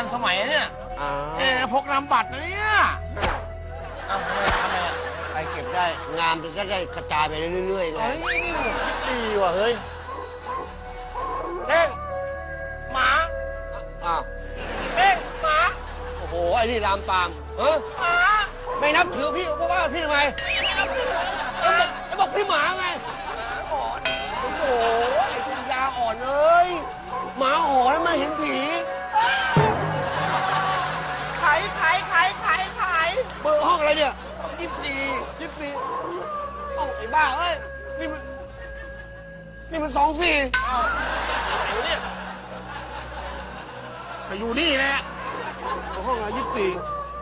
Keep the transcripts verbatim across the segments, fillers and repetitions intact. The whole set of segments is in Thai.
ทันสมัยเนี่ยเออพกนามบัตรนะเนี่ยเอาทำไมทำไมอ่ะใครเก็บได้งานมันก็ได้กระจายไปเรื่อยๆไงดีว่ะเฮ้ยเฮ้ยหมาอ้าวเฮ้ยหมาโอ้โหไอ้นี่ลามปามเออหมาไม่นับถือพี่เพราะว่าพี่ทำไมไม่นับถือไอ้บอกไอ้บอกพี่หมาไงหมาหอนโอ้โหไอ้ปัญญาอ่อนเอ้ยหมาหอนมันเห็นผีขายขายขายขายขายเบอร์ห้องอะไรเนี่ยยี่สิบสี่ยี่สิบสี่โอ้ไอ้บ้าเอ้ยนี่มันนี่มันสองสี่อ้าวไหนเนี่ยไปอยู่นี่แหละห้องอะไรยี่สิบสี่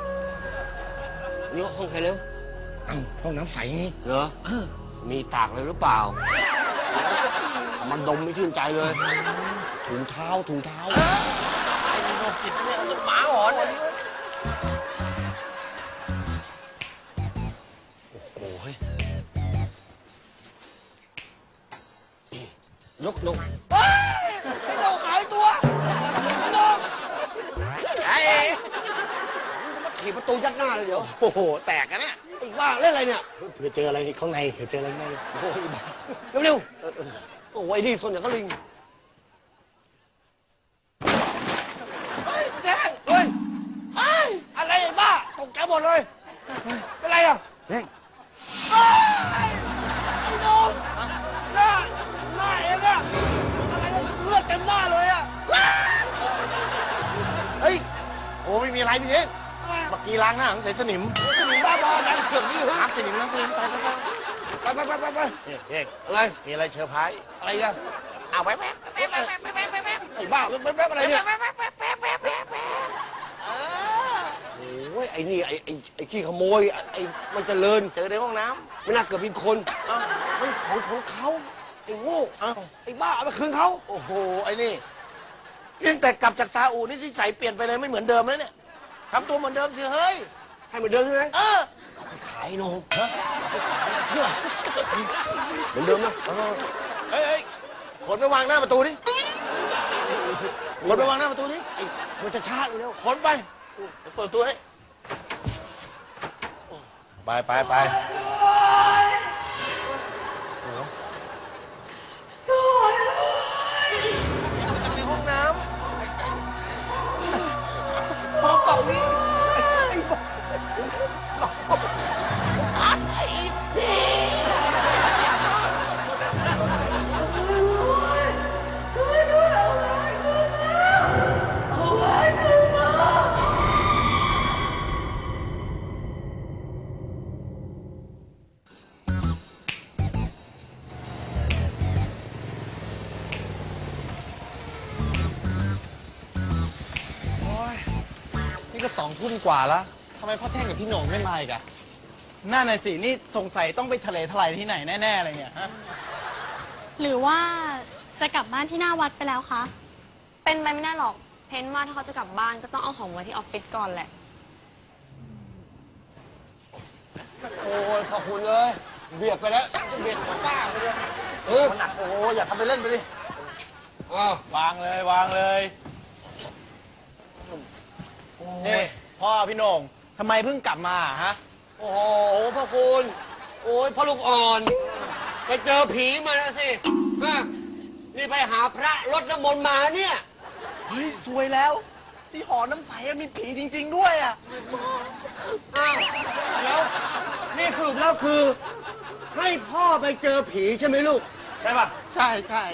นี่ห้องใครเนี่ยอ้าวห้องน้ำใสเหรอมีตากเลยหรือเปล่ามันดมไม่ชื่นใจเลยถุงเท้าถุงเท้าไอ้โรคจิตเนี่ยหมาหอนเลยโอ้โหยกนกเฮ้ยไอ้นกหายตัวนกไอ้จะมาขี่ประตูยัดหน้าเลยเดี๋ยวโอ้โหแตกกันเนี่ยอีกบ้าเล่นอะไรเนี่ยเผื่อเจออะไรข้างในเผื่อเจออะไรข้างในโอ้ยบ้าเร็วๆโอ้ยนี่ส่วนอย่างก็ลิงเฮ้ยแดงเฮ้ยเฮ้ยอะไรไอ้บ้าตกใจหมดเลยเป็นไรอ่ะแดงเฮ้ยไอ้นกหน้าหน้าเองอะอะไรเนี่ยเลือดเต็มหน้าเลยอะเฮ้ยโอ้ไม่มีอะไรพี่เองเมื่อกี้ล้างหน้าใส่สนิมสนิมบ้าบอดันเถื่อนนี่เหรอล้างสนิมล้างสนิมไปไปไปไปไปไปไปเฮ้ยอะไรมีอะไรเชอร์ไพรส์อะไรกันเอาไปแป๊บแป๊บแป๊บแป๊บแป๊บแป๊บไอ้บ้าแป๊บแป๊บอะไรเนี่ยแป๊บแป๊บแป๊บแป๊บแป๊บแป๊บแป๊บโอ้ยไอ้นี่ไอ้ไอ้ไอ้ขี้ขโมยไอ้ไม่เจริญเจอในห้องน้ำไม่น่าเกิดเป็นคนมันของของเขาไอ้โง่ไอ้บ้าเอาไปคืนเขาโอ้โหไอ้นี่ยังแต่กลับจากซาอุนี่ที่ใส่เปลี่ยนไปเลยไม่เหมือนเดิมแล้วเนี่ยทำตัวเหมือนเดิมสิเฮ้ยให้เหมือนเดิมใช่ไหมเออไปขายนมฮะไปขายเพื่อเหมือนเดิมนะเฮ้ยขนไปวางหน้าประตูดิขนไปวางหน้าประตูดิไอ้มันจะชาติเร็วขนไปเปิดตัวให้ไปไปไปในห้องน้ำห้องเก่านี้นี่ก็สองทุ่มกว่าแล้วทำไมพ่อแท่งกับพี่โหน่งไม่มาอีกอะน่าหน่อยสินี่สงสัยต้องไปทะเลทลายที่ไหนแน่ๆอะไรเงี้ยฮะหรือว่าจะกลับบ้านที่หน้าวัดไปแล้วคะเป็นไปไม่ได้หรอกเพนว่าถ้าเขาจะกลับบ้านก็ต้องเอาของมาที่ออฟฟิศก่อนแหละโอ้ยพอคุณเลยเบียดไปแล้วเบียดของป้าไปเลยเออหนักโอ้ยอย่าทำไปเล่นไปดิอ้าววางเลยวางเลยนี่พ่อพี่โหน่งทำไมเพิ่งกลับมาฮะโอ้โหพ่อคุณโอ้ยพ่อลูกอ่อนไปเจอผีมาแล้วสิฮะนี่ไปหาพระรดน้ำมนต์มาเนี่ยเฮ้ยสวยแล้วที่หอน้ำใสมีผีจริงๆด้วยอ่ะอ้าวแล้วนี่สรุปแล้วคือให้พ่อไปเจอผีใช่ไหมลูกใช่ป่ะใช่ใช่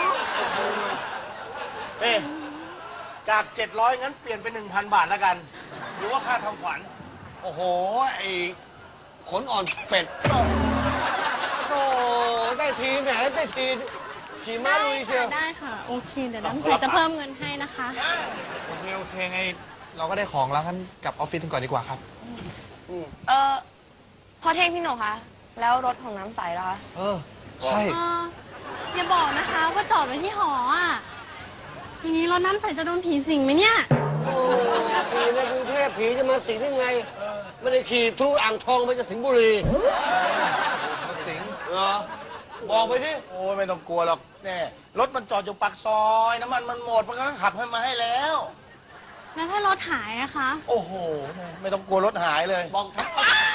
เฮ้จากเจ็ดร้อยงั้นเปลี่ยนเป็นหนึ่งพันบาทแล้วกันหรือว่าค่าทำขวัญโอ้โหไอ้ขนอ่อนเป็ดโอ้ได้ทีแหมได้ทีขี่ม้าลุยเชียวได้ค่ะโอเคเดี๋ยวน้ำใสจะเพิ่มเงินให้นะคะโอเคโอเคไงเราก็ได้ของแล้วกันกลับออฟฟิศกันก่อนดีกว่าครับเออพ่อเท่งพี่โหน่งคะแล้วรถของน้ำใสล่ะคะเออใช่อย่าบอกนะคะว่าจอดไว้ที่หออ่ะอย่างนี้รถน้ำใสจะโดนผีสิงไหมเนี่ยโอ้ขี่ในกรุงเทพผีจะมาสิงได้ไงไม่ได้ขี่ทะลุอ่างทองไปจะสิงห์บุรีมาสิงเหรอบอกไปสิโอ้ไม่ต้องกลัวหรอกแน่รถมันจอดอยู่ปากซอยน้ำมันมันหมดมันก็ขับให้มาให้แล้วแล้วถ้าถหายอะคะโอ้โห ไม่ต้องกลัวรถหายเลยบอกฉัน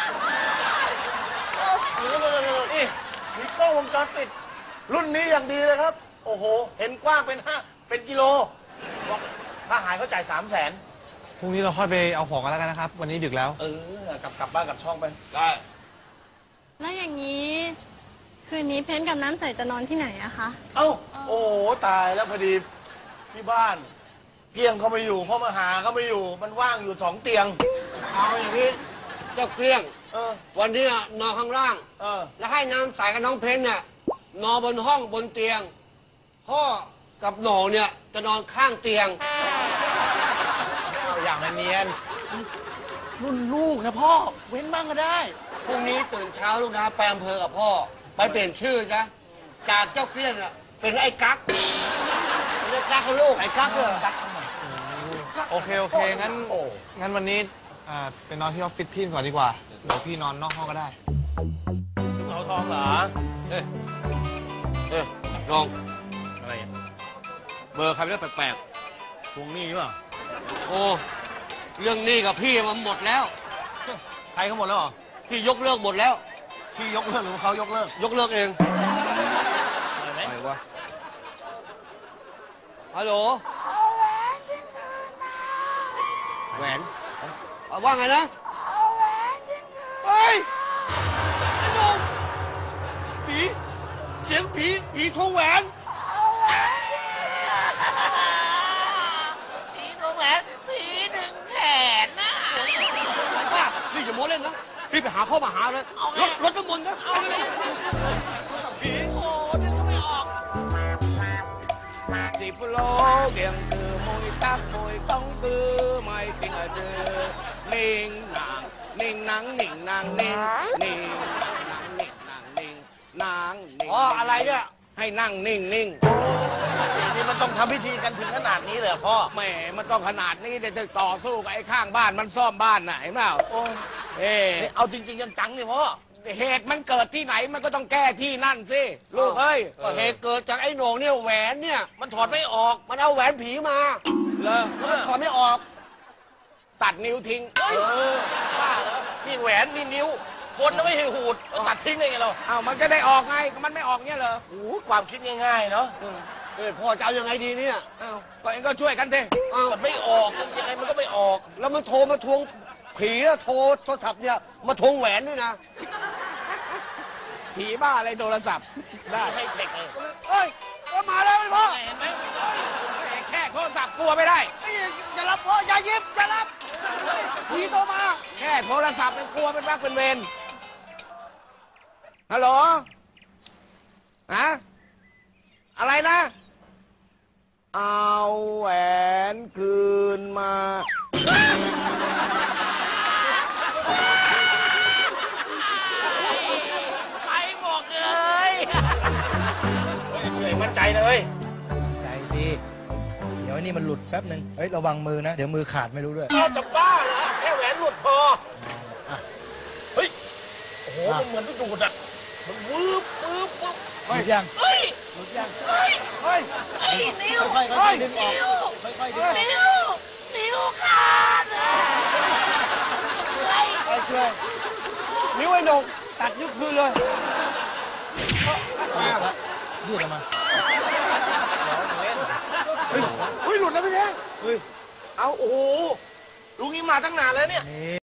นี่มีกล้องวงจรปิด รุ่นนี้อย่างดีเลยครับ โอ้โห เห็นกว้างเป็นห้าเป็นกิโลบอกถ้าหายเขาจ่ายสามแสนพรุ่งนี้เราค่อยไปเอาของกันแล้วกันนะครับ วันนี้ดึกแล้วเออกลับกลับบ้านกลับช่องไปได้แล้วอย่างนี้ คืนนี้เพนกับน้ำใสจะนอนที่ไหนอะคะเอ้า โอ้โห ตายแล้วพอดีที่บ้านเพียงเขาไม่อยู่พ่อมาหาเขาไม่อยู่ มันว่างอยู่สองเตียงเอาอย่างนี้เจ้าเกลี้ยงเออวันนี้อะนอนข้างล่างเออแล้วให้น้ำใสกับน้องเพนเนี่ยนอนบนห้องบนเตียง พ่อกับหนองเนี่ยจะนอนข้างเตียงเอาอย่างเนียนรุ่นลูกนะพ่อ เว้นบ้างก็ได้พรุ่งนี้ตื่นเช้าลูกนะไปอำเภอกับพ่อ ไปเปลี่ยนชื่อซะจากเจ้าเกลี้ยงอะเป็นไอ้กั๊กเป็นไอ้กั๊กกับลูกไอ้กั๊กเหรอโอเค โอเค งั้นโอ้งั้นวันนี้อ่าไปนอนที่ออฟฟิศพี่ก่อนดีกว่า เดี๋ยวพี่นอนนอกห้องก็ได้ซึ่งเอาทองเหรอเอ้ยเอ้ยน้องอะไรอ่ะเบอร์ใครไม่ได้แปลกทวงหนี้หรือเปล่าๆโอ้เรื่องหนี้กับพี่มันหมดแล้วใครเขาหมดแล้วเหรอพี่ยกเลิกหมดแล้วพี่ยกเลิกหรือว่าเขายกเลิกยกเลิกเองอะไรไหมอะไรวะฮัลโหลแหวนเอาว่าไงนะเฮ้ยไอ้หนุ่มผีเสียงผีผีทวงแหวนผีทวงแหวนผีดึงแขนนะว่าพี่อย่าโม้เล่นนะพี่ไปหาพ่อมาหาเลยรถรถน้ำมนต์นะเอาเลยผีโอ้นึกไม่ออกสิบโลเดียงคือมวยตักมวยต้องคือไม่ติงอะเจอนิ่งนางนิ่งนางนิ่งนางนิ่งนิ่งนางนิ่งนางนิ่งนางนิ่งอ๋ออะไรเนี่ยให้นั่งนิ่งนิ่งนี่มันต้องทำพิธีกันถึงขนาดนี้เลยเหรอพ่อแหมมันต้องขนาดนี้เดี๋ยวจะต่อสู้กับไอ้ข้างบ้านมันซ่อมบ้านน่ะเห็นเปล่าเออเอาจริงๆจังๆนี่พ่อเหตุมันเกิดที่ไหนมันก็ต้องแก้ที่นั่นสิลูกเอ้ยก็เหตุเกิดจากไอ้โหน่งเนี่ยแหวนเนี่ยมันถอดไม่ออกมันเอาแหวนผีมาเลยแล้วมันถอดไม่ออกตัดนิ้วทิ้งเออบ้าเหรอนี่แหวนนี่นิ้วคนน่ะไม่ให้หูดแล้วตัดทิ้งได้ไงเราอ้าวมันจะได้ออกไงมันไม่ออกเนี่ยเหรอโอ้ความคิดง่ายๆเนาะเออพ่อจะเอายังไงดีเนี่ยอ้าวก็เองก็ช่วยกันสิอ้าวมันไม่ออกยังไงมันก็ไม่ออกแล้วมันโทรมาทวงผีอะโทรโทรศัพท์เนี่ยมาทวงแหวนด้วยนะผีบ้าอะไรโทรศัพท์ได้ให้เทคเลยเอ้ยก็มาแล้วไอ้พ่อเห็นไหมแค่โทรศัพท์กลัวไม่ได้เอ้ยอย่ารับพ่ออย่ายิบอย่ารับผีโทรมาแค่โทรศัพท์มันกลัวเป็นรักเป็นเวรฮัลโหลฮะอะไรนะ เอาแหวนคืนมาไปบอกเลยเฉยมั่นใจเลยใจดีเดี๋ยวไอ้นี่มันหลุดแป๊บหนึ่งเฮ้ยระวังมือนะ เดี๋ยวมือขาดไม่รู้ด้วยเอาจะบ้าเหรอแค่แหวนหลุดพออ่ะเฮ้ย โอ้โห มันเหมือนไปดูดอ่ะ มันวืบวืบวืบหลุดยังเฮ้ยหลุดยังเฮ้ยเฮ้ยเฮ้ย นิ้วค่อยๆค่อยๆดึงออกนิ้วค่อยๆดึงออกนิ้ว นิ้วขาดอ่ะเฮ้ยไปช่วยนิ้วไอ้โหน่งตัดนิ้วคืนเลยยืดออกมาเฮ้ย หลุดแล้วพี่แท้เฮ้ย เอาโอ้โหลุงนี้มาตั้งนานแล้วเนี่ยนี่